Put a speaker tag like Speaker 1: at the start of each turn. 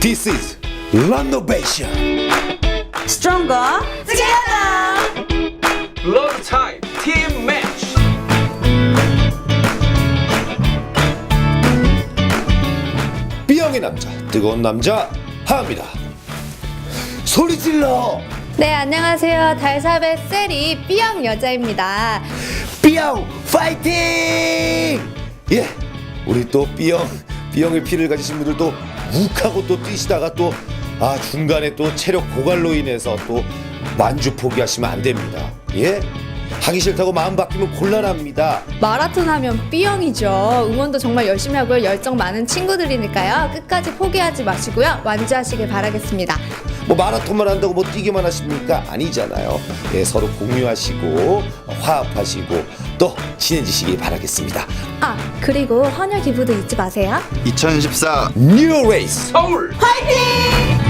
Speaker 1: This is renovation.
Speaker 2: Stronger together.
Speaker 3: Blood type team match.
Speaker 1: B형의 남자, 뜨거운 남자 하입니다. 소리 질러.
Speaker 4: 네, 안녕하세요. 달삽의 셀이 B형 여자입니다.
Speaker 1: B형 파이팅! 예, 우리 또 B형의 피를 가지신 분들도 욱하고 또 뛰시다가 또 중간에 또 체력 고갈로 인해서 또 완주 포기하시면 안 됩니다. 예, 하기 싫다고 마음 바뀌면 곤란합니다.
Speaker 4: 마라톤 하면 B형이죠. 응원도 정말 열심히 하고요. 열정 많은 친구들이니까요. 끝까지 포기하지 마시고요. 완주하시길 바라겠습니다.
Speaker 1: 뭐 마라톤만 한다고 뭐 뛰기만 하십니까? 아니잖아요. 예, 서로 공유하시고 화합하시고 또 친해지시길 바라겠습니다.
Speaker 4: 그리고 헌혈 기부도 잊지 마세요.
Speaker 5: 2014
Speaker 1: 뉴 레이스
Speaker 3: 서울.
Speaker 2: 화이팅!